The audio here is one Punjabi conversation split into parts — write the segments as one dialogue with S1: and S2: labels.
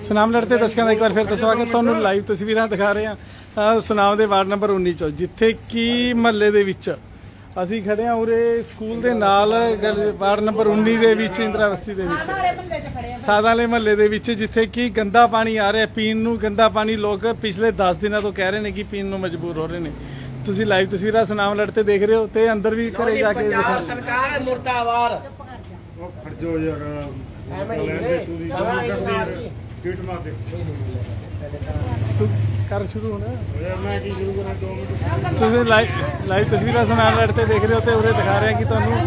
S1: ਸੁਨਾਮ ਲੜਤੇ ਦਰਸ਼ਕਾਂ ਦਾ ਇੱਕ ਵਾਰ ਫਿਰ ਤੋਂ ਸਵਾਗਤ। ਤੁਹਾਨੂੰ ਲਾਈਵ ਤਸਵੀਰਾਂ ਦਿਖਾ ਰਹੇ ਹਾਂ ਸੁਨਾਮ ਦੇ ਵਾਰਡ ਨੰਬਰ 19 ਚੋਂ, ਜਿੱਥੇ ਕਿ ਮਹੱਲੇ ਦੇ ਵਿੱਚ ਅਸੀਂ ਖੜੇ ਹਾਂ। ਉਰੇ ਸਕੂਲ ਦੇ ਨਾਲ ਵਾਰਡ ਨੰਬਰ 19 ਦੇ ਵਿੱਚ ਇੰਦਰਾ ਬਸਤੀ ਦੇ ਵਿੱਚ ਸਾਦਾ ਵਾਲੇ ਮਹੱਲੇ ਦੇ ਵਿੱਚ, ਜਿੱਥੇ ਕਿ ਗੰਦਾ ਪਾਣੀ ਆ ਰਿਹਾ ਪੀਣ ਨੂੰ। ਗੰਦਾ ਪਾਣੀ ਲੋਕ ਪਿਛਲੇ 10 ਦਿਨਾਂ ਤੋਂ ਕਹਿ ਰਹੇ ਨੇ ਕਿ ਪੀਣ ਨੂੰ ਮਜਬੂਰ ਹੋ ਰਹੇ ਨੇ। ਤੁਸੀਂ ਲਾਈਵ ਤਸਵੀਰਾਂ ਸੁਨਾਮ ਲੜਤੇ ਦੇਖ ਰਹੇ ਹੋ ਤੇ ਅੰਦਰ ਵੀ ਘਰੇ ਜਾ ਕੇ ਦੇਖੋ।
S2: ਸਰਕਾਰ ਮੁਰਦਾਬਾਦ।
S3: ਉਹ ਖਰਜੋ ਯਾਰ
S1: ਕਰ ਸ਼ੁਰੂ ਹੋਣਾ।
S3: ਮੈਂ ਕੀ ਸ਼ੁਰੂ ਕਰਾਂ 2 ਮਿੰਟ।
S1: ਤੁਸੀਂ ਲਾਈਵ ਤਸਵੀਰਾਂ ਸੁਨਾਮ ਲੜਤੇ ਦੇਖ ਰਹੇ ਹੋ ਤੇ ਉਰੇ ਦਿਖਾ ਰਹੇ ਕਿ ਤੁਹਾਨੂੰ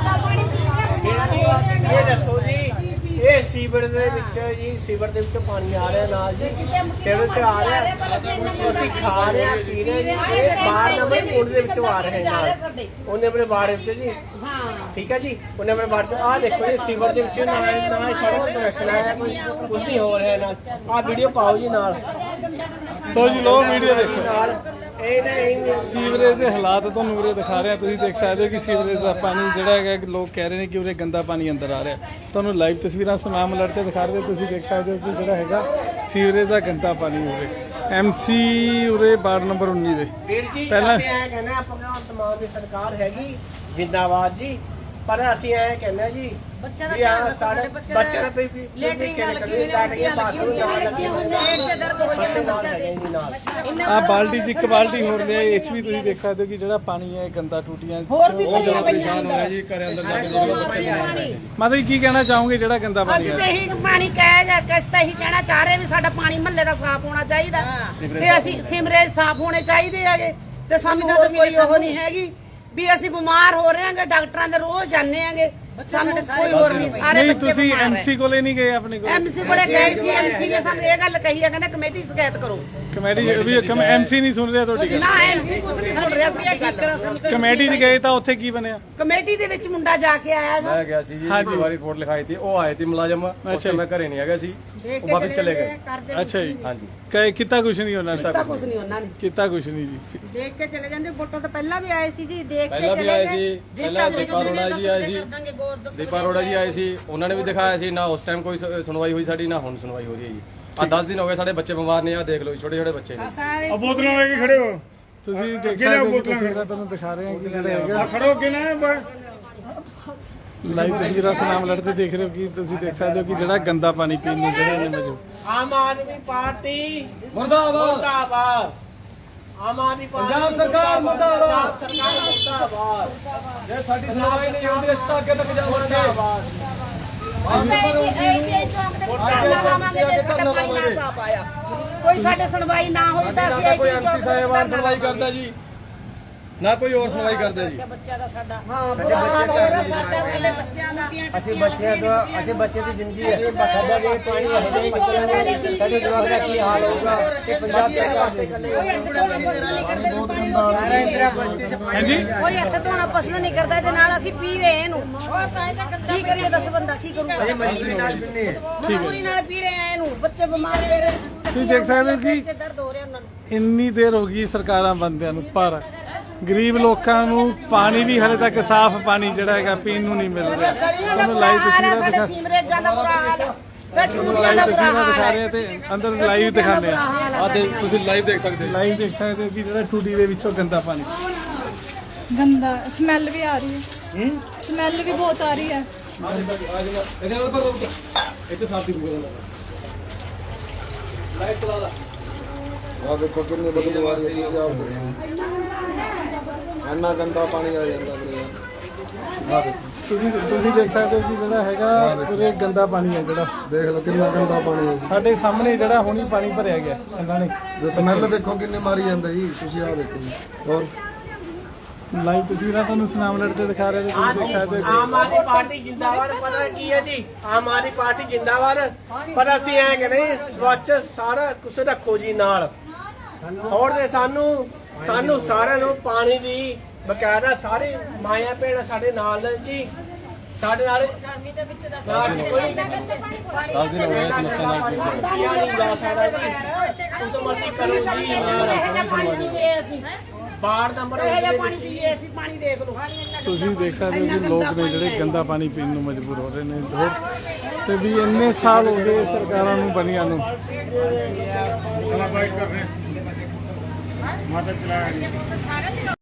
S2: ਇਹ ਦੱਸੋ ਜੀ, ਇਹ ਸੀਵਰ ਦੇ ਵਿੱਚ ਜੀ, ਸੀਵਰ ਦੇ ਵਿੱਚ ਪਾਣੀ ਆ ਰਿਹਾ ਨਾਲ ਜੀ, ਟੇਬਲ ਤੇ ਆ ਰਿਹਾ, ਅਸੀਂ ਖਾ ਰਹੇ ਆ, ਪੀ ਰਹੇ ਜੀ। ਇਹ ਬਾਹਰ ਨੰਬਰ ਕੋਡ ਦੇ ਵਿੱਚੋਂ ਆ ਰਹੇ ਨਾਲ, ਉਹਨੇ ਆਪਣੇ ਬਾਹਰ ਵਿੱਚ ਜੀ, ਠੀਕ ਹੈ ਜੀ, ਉਹਨੇ ਆਪਣੇ ਬਾਹਰ ਤੋਂ ਆਹ ਦੇਖੋ ਜੀ, ਸੀਵਰ ਦੇ ਵਿੱਚ ਨਾ ਸੜਕ ਕਨੈਕਸ਼ਨ ਆਇਆ, ਕੋਈ ਕੁਝ ਨਹੀਂ ਹੋ ਰਿਹਾ ਨਾਲ। ਆਹ ਵੀਡੀਓ ਪਾਓ ਜੀ ਨਾਲ,
S1: ਲੋ ਜੀ ਲੋ ਵੀਡੀਓ ਦੇਖੋ।
S2: ਨਾਲ ਇਹ ਨਹੀਂ
S1: ਸੀਵਰੇਜ ਦੇ ਹਾਲਾਤ ਤੁਹਾਨੂੰ ਉਰੇ ਦਿਖਾ ਰਿਹਾ। ਤੁਸੀਂ ਦੇਖ ਸਕਦੇ ਹੋ ਕਿ ਸੀਵਰੇਜ ਦਾ ਪਾਣੀ ਜਿਹੜਾ ਹੈਗਾ, ਲੋਕ ਕਹਿ ਰਹੇ ਨੇ ਕਿ ਉਰੇ ਗੰਦਾ ਪਾਣੀ ਅੰਦਰ ਆ ਰਿਹਾ। ਤੁਹਾਨੂੰ ਲਾਈਵ ਤਸਵੀਰਾਂ ਸੁਨਾਮ ਲੜਤੇ ਦਿਖਾ ਰਹੇ। ਤੁਸੀਂ ਦੇਖ ਸਕਦੇ ਹੋ ਕਿ ਜਿਹੜਾ ਹੈਗਾ ਸੀਵਰੇਜ ਦਾ ਗੰਦਾ ਪਾਣੀ ਉਰੇ MC ਉਰੇ ਵਾਰਡ ਨੰਬਰ 19 ਦੇ
S2: ਪਹਿਲਾਂ ਇਹ ਕਹਿੰਦੇ ਆਪਾਂ ਤਮਾਮ ਦੀ ਸਰਕਾਰ ਹੈਗੀ ਜਿੰਦਾਬਾਦ ਜੀ, ਪਰ ਅਸੀਂ ਇਹ ਕਹਿੰਦੇ ਜੀ ਬੱਚਿਆਂ ਦਾ ਸਾਡੇ ਬੱਚਿਆਂ ਦਾ ਵੀ ਲੈਟਰਿੰਗਾਂ ਲੱਗੀਆਂ ਬਾਥਰੂਮ ਨਾਲ ਲੱਗੇ ਹੋਏ ਨੇ।
S1: ਆ ਬਾਲਟੀ ਚ ਇੱਕ ਬਾਲਟੀ ਹੋਰ ਲਿਆ। ਇਹ ਵੀ ਤੁਸੀਂ ਦੇਖ ਸਕਦੇ ਹੋ ਕਿ ਜਿਹੜਾ ਪਾਣੀ ਹੈ ਗੰਦਾ ਟੂਟੀਆਂ
S4: ਬਹੁਤ ਪਰੇਸ਼ਾਨ ਹੋ ਰਿਹਾ ਜੀ। ਘਰੇ ਅੰਦਰ ਜਾ ਕੇ ਬੱਚੇ ਬਿਮਾਰ ਪਏ।
S1: ਮਾਤਾ ਜੀ ਕੀ ਕਹਿਣਾ ਚਾਹੋਗੇ ਜਿਹੜਾ ਗੰਦਾ ਪਾਣੀ
S4: ਅਸੀਂ ਤੇ ਇਹੀ ਪਾਣੀ ਕਹਿ ਜਾਂ ਕਿਸ ਤਾਂ ਇਹੀ ਕਹਿਣਾ ਚਾਹ ਰਹੇ ਵੀ ਸਾਡਾ ਪਾਣੀ ਮਹੱਲੇ ਦਾ ਸਾਫ਼ ਹੋਣਾ ਚਾਹੀਦਾ ਤੇ ਅਸੀਂ ਸਿਮਰੇਜ ਸਾਫ਼ ਹੋਣੇ ਚਾਹੀਦੇ ਹੈਗੇ ਤੇ ਸਾਨੂੰ ਹੋਰ ਕੋਈ ਉਹ ਨਹੀਂ ਹੈਗੀ ਵੀ ਅਸੀਂ ਬਿਮਾਰ ਹੋ ਰਹੇ ਹਾਂਗੇ। ਡਾਕਟਰਾਂ ਦੇ ਰੋਜ਼ ਜਾਂਦੇ ਆਂਗੇ, ਸਾਨੂੰ ਕੋਈ ਹੋਰ ਨਹੀਂ। ਸਾਰੇ
S1: ਨਹੀਂ
S4: ਬੱਚੇ
S1: ਤੁਸੀਂ
S4: ਬਿਮਾਰ
S1: MC ਕੋਲੇ ਨਹੀਂ ਗਏ ਆਪਣੇ ਕੋਲ?
S4: MC ਕੋਲੇ ਗਏ ਸੀ। MC ਨੇ ਸਾਨੂੰ ਇਹ ਗੱਲ ਕਹੀ ਹੈ, ਕਹਿੰਦਾ ਕਮੇਟੀ ਸ਼ਿਕਾਇਤ ਕਰੋ।
S1: ਕਮੇਟੀ ਵੀ MC ਨਹੀਂ ਸੁਣ ਰਿਹਾ ਤੁਹਾਡੀ ਗੱਲ?
S4: ਨਾ MC ਕੁਝ ਨਹੀਂ ਸੁਣ ਰਿਹਾ ਸਾਡੀ।
S1: ਕਮੇਟੀ 'ਚ ਗਏ ਤਾਂ ਉੱਥੇ ਕੀ ਬਣਿਆ?
S4: ਕਮੇਟੀ ਦੇ ਵਿੱਚ ਮੁੰਡਾ ਜਾ ਕੇ ਆਇਆ
S5: ਮੈਂ ਗਿਆ ਸੀ ਜੀ, ਇੱਕ ਵਾਰੀ ਰਿਪੋਰਟ ਲਿਖਾਈ ਥੀ, ਉਹ ਆਏ ਥੇ ਮੁਲਾਜ਼ਮ, ਉੱਥੇ ਮੈਂ ਘਰੇ ਨਹੀਂ ਹੈਗਾ ਸੀ, ਉਹ ਵਾਪਸ ਚਲੇ ਗਏ।
S1: ਅੱਛਾ ਜੀ,
S5: ਹਾਂਜੀ।
S1: ਕੀਤਾ ਕੁਛ ਨਹੀਂ ਉਹਨਾਂ ਨੇ?
S4: ਕੀਤਾ ਕੁਝ ਨਹੀਂ ਉਹਨਾਂ ਨੇ,
S1: ਕੀਤਾ ਕੁਛ ਨਹੀਂ ਜੀ।
S6: ਦੇਖ ਕੇ ਚਲੇ ਜਾਂਦੇ। ਵੋਟਾਂ ਤੋਂ ਪਹਿਲਾਂ ਵੀ ਆਏ ਸੀ ਜੀ, ਦੇਖ ਕੇ
S5: ਪਹਿਲਾਂ ਵੀ ਆਏ ਸੀ, ਪਹਿਲਾਂ ਦੀਪਾ ਅਰੋੜਾ ਜੀ ਆਏ ਸੀ, ਦੀਪਾ ਅਰੋੜਾ ਜੀ ਆਏ ਸੀ, ਉਹਨਾਂ ਨੇ ਵੀ ਦਿਖਾਇਆ ਸੀ। ਨਾ ਉਸ ਟਾਈਮ ਕੋਈ ਸੁਣਵਾਈ ਹੋਈ ਸਾਡੀ, ਨਾ ਹੁਣ ਸੁਣਵਾਈ ਹੋ ਰਹੀ ਹੈ ਜੀ। ਆ 10 ਦਿਨ ਹੋ ਗਏ ਸਾਡੇ ਬੱਚੇ ਬਿਮਾਰ ਨੇ। ਆ ਦੇਖ ਲਓ ਛੋਟੇ ਛੋਟੇ ਬੱਚੇ ਨੇ।
S3: ਆ ਬੋਤਲਾਂ ਲੈ ਕੇ ਖੜੇ ਹੋ।
S1: ਤੁਸੀਂ ਦੇਖ ਸਕਦੇ ਹੋ ਤਸਵੀਰਾਂ ਤੁਹਾਨੂੰ ਦਿਖਾ ਰਹੇ ਹਾਂ ਕਿ ਜਿਹੜਾ ਹੈਗਾ
S3: ਆ ਖੜੋ ਕਿ ਨਾ
S1: ਲਾਈਵ ਤਸਵੀਰਾਂ ਸੁਨਾਮ ਲੜਤੇ ਦੇਖ ਰਹੇ ਹੋ ਕਿ ਤੁਸੀਂ ਦੇਖ ਸਕਦੇ ਹੋ ਕਿ ਜਿਹੜਾ ਗੰਦਾ ਪਾਣੀ ਪੀਣ ਨੂੰ ਜਿਹੜਾ ਨੇ ਮਜੂ।
S2: ਆਮ ਆਦਮੀ ਪਾਰਟੀ
S5: ਮੁਰਦਾਬਾਦ,
S2: ਮੁਰਦਾਬਾਦ। ਆਮ ਆਦਮੀ ਪਾਰਟੀ
S5: ਪੰਜਾਬ ਸਰਕਾਰ ਮੁਰਦਾਬਾਦ।
S2: ਸਰਕਾਰ ਮੁਰਦਾਬਾਦ।
S5: ਜੇ ਸਾਡੀ ਸੁਣਵਾਈ ਨਹੀਂ ਹੁੰਦੀ ਇਸ ਤਾਂ ਅੱਗੇ ਤੱਕ ਜਾਵਾਂਗੇ।
S4: ਕੋਈ ਸਾਡੇ ਸੁਣਵਾਈ ਨਾ ਹੋਈ ਤਾਂ
S5: ਨਾ ਕੋਈ MC ਸਾਹਿਬਾਨ ਸੁਣਵਾਈ ਕਰਦਾ ਜੀ, ਨਾ ਕੋਈ ਹੋਰ ਸੁਣਵਾਈ ਕਰਦਾ ਜੀ।
S4: ਬੱਚਾ ਦਾ ਸਾਡਾ ਹਾਂ ਬੁਰਾ ਹਾਲ ਹੋ ਰਿਹਾ ਸਾਡਾ, ਸਾਡੇ ਬੱਚਿਆਂ ਦਾ।
S2: ਅਸੀਂ ਬੱਚੇ ਦੀ ਜ਼ਿੰਦਗੀ ਹੈ, ਸਾਡਾ ਜੇ ਪਾਣੀ ਹੈ ਨਹੀਂ ਸਾਡੇ ਜਵਾਕ ਦਾ ਕੀ ਹਾਲ ਹੋਊਗਾ। ਇਹ ਪੰਜਾਬ ਸਰਕਾਰ ਦੇ
S1: ਹਾਂਜੀ,
S4: ਕੋਈ ਇੱਥੇ ਧੋਣਾ ਪਸੰਦ ਨਹੀਂ ਕਰਦਾ, ਇਹਦੇ ਨਾਲ ਅਸੀਂ ਪੀ ਰਹੇ ਇਹਨੂੰ। ਕੀ ਕਰੀਏ ਦੱਸ, ਬੰਦਾ ਕੀ ਕਰੂਗਾ?
S2: ਮਜਬੂਰੀ ਨਾਲ ਪਿੰਨੇ
S4: ਮਜਬੂਰੀ ਨਾਲ ਪੀ ਰਹੇ ਆ ਇਹਨੂੰ, ਬੱਚੇ ਬਿਮਾਰ ਹੋ ਰਹੇ।
S1: ਤੁਸੀਂ ਦੇਖ ਸਕਦੇ ਹੋ ਕਿ
S4: ਦਰਦ ਹੋ ਰਿਹਾ ਉਹਨਾਂ ਨੂੰ।
S1: ਇੰਨੀ ਦੇਰ ਹੋ ਗਈ ਸਰਕਾਰਾਂ ਬੰਦਿਆਂ ਨੂੰ, ਪਰ ਗਰੀਬ ਲੋਕਾਂ ਨੂੰ ਪਾਣੀ ਵੀ ਹਲੇ ਤੱਕ ਸਾਫ਼ ਪਾਣੀ ਜਿਹੜਾ ਹੈਗਾ ਪੀਣ ਨੂੰ ਨਹੀਂ ਮਿਲ ਰਿਹਾ। ਤੁਹਾਨੂੰ ਲਾਈਵ ਤਸਵੀਰਾਂ ਦਿਖਾ
S4: ਸੀਮਰੇਜਾਂ ਦਾ ਬੁਰਾ ਹਾਲ ਹੈ,
S1: ਲਾਈਵ ਤਸਵੀਰਾਂ ਦਿਖਾ ਰਹੇ ਤੇ ਅੰਦਰ ਲਾਈਵ ਦਿਖਾਉਂਦੇ ਆ।
S5: ਆ ਤੇ ਤੁਸੀਂ ਲਾਈਵ ਦੇਖ ਸਕਦੇ ਹੋ।
S1: ਲਾਈਵ ਦੇਖ ਸਕਦੇ ਹੋ ਕਿ ਜਿਹੜਾ ਟੂਟੀ ਦੇ ਵਿੱਚੋਂ ਗੰਦਾ ਪਾਣੀ,
S6: ਗੰਦਾ ਸਮੈਲ ਵੀ ਆ ਰਹੀ ਹੈ। ਸਮੈਲ ਵੀ ਬਹੁਤ ਆ ਰਹੀ ਹੈ।
S5: ਇਹਦੇ ਨਾਲ ਪਰ ਇੱਥੇ ਸਾਫ ਦੀ ਬੋਲ ਲਾਈਟ ਚਲਾ ਲਾ।
S7: ਆ ਦੇਖੋ ਕਿੰਨੀ ਬਦਬੂ ਆ ਰਹੀ ਹੈ। ਤੁਸੀਂ ਆਪ ਦੇਖੋ ਇੰਨਾ ਗੰਦਾ ਪਾਣੀ ਆ ਜਾਂਦਾ ਵੀਰੇ। ਆ ਦੇਖੋ
S1: ਤੁਸੀਂ ਦੇਖ ਸਕਦੇ ਹੋ ਕਿ ਜਿਹੜਾ ਹੈਗਾ ਉਰੇ ਗੰਦਾ ਪਾਣੀ ਹੈ। ਜਿਹੜਾ
S7: ਦੇਖ ਲਓ ਕਿੰਨਾ ਗੰਦਾ ਪਾਣੀ ਹੈ।
S1: ਸਾਡੇ ਸਾਹਮਣੇ ਜਿਹੜਾ ਹੁਣੀ ਪਾਣੀ ਭਰਿਆ ਗਿਆ ਇਹਨਾਂ ਨੇ।
S7: ਜੇ ਸਮੈਲ ਦੇਖੋ ਕਿੰਨੇ ਮਾਰੀ ਜਾਂਦਾ ਜੀ। ਤੁਸੀਂ ਆ ਦੇਖੋ ਜੀ। ਹੋਰ
S1: ਲਾਈਵ ਤਸਵੀਰਾਂ ਤੁਹਾਨੂੰ ਸੁਨਾਮ ਲੜਤੇ ਦਿਖਾ ਰਹੇ ਤੇ ਤੁਸੀਂ ਦੇਖ ਸਕਦੇ ਹੋ
S2: ਆਮ ਆਦਮੀ ਪਾਰਟੀ ਜਿੰਦਾਬਾਦ। ਪਤਾ ਕੀ ਹੈ ਜੀ, ਆਮ ਆਦਮੀ ਪਾਰਟੀ ਜਿੰਦਾਬਾਦ, ਪਰ ਅਸੀਂ ਐ ਕਹਿੰਦੇ ਸਵੱਛ ਸਾਰਾ ਕੁਝ ਰੱਖੋ ਜੀ ਨਾਲ। ਹੋਰ ਦੇ ਸਾਨੂੰ ਸਾਰਿਆਂ ਨੂੰ ਪਾਣੀ ਦੀ ਬਕਾਇਦਾ ਸਾਰੀ ਮਾਇਆ ਭੈਣਾਂ ਸਾਡੇ ਨਾਲ ਨੇ ਜੀ। ਸਾਡੇ ਨਾਲ ਕੋਈ
S5: 10 ਦਿਨ ਹੋ ਗਏ ਸਮੱਸਿਆ ਨਾਲ
S2: ਨਹੀਂ ਲਾ ਸਕਦਾ ਜੀ। ਉਸ ਮਰਜ਼ੀ ਕਰੋ ਜੀ। ਵਾਰਡ ਨੰਬਰ
S4: ਇਹ ਜਿਹਾ ਪਾਣੀ ਪੀਏ ਅਸੀਂ ਪਾਣੀ ਦੇਖ ਲਓ
S1: ਤੁਸੀਂ ਦੇਖ ਸਕਦੇ ਹੋ ਕਿ ਲੋਕ ਨੇ ਜਿਹੜੇ ਗੰਦਾ ਪਾਣੀ ਪੀਣ ਨੂੰ ਮਜਬੂਰ ਹੋ ਰਹੇ ਨੇ ਤੇ ਵੀ ਇੰਨੇ ਸਾਲ ਹੋ ਗਏ ਸਰਕਾਰਾਂ ਨੂੰ ਬਣੀਆਂ ਨੂੰ।
S3: ਚਲਾ ਬਾਈਟ ਕਰ ਰਹੇ ਮਾਤਾ ਚਲਾਇਆ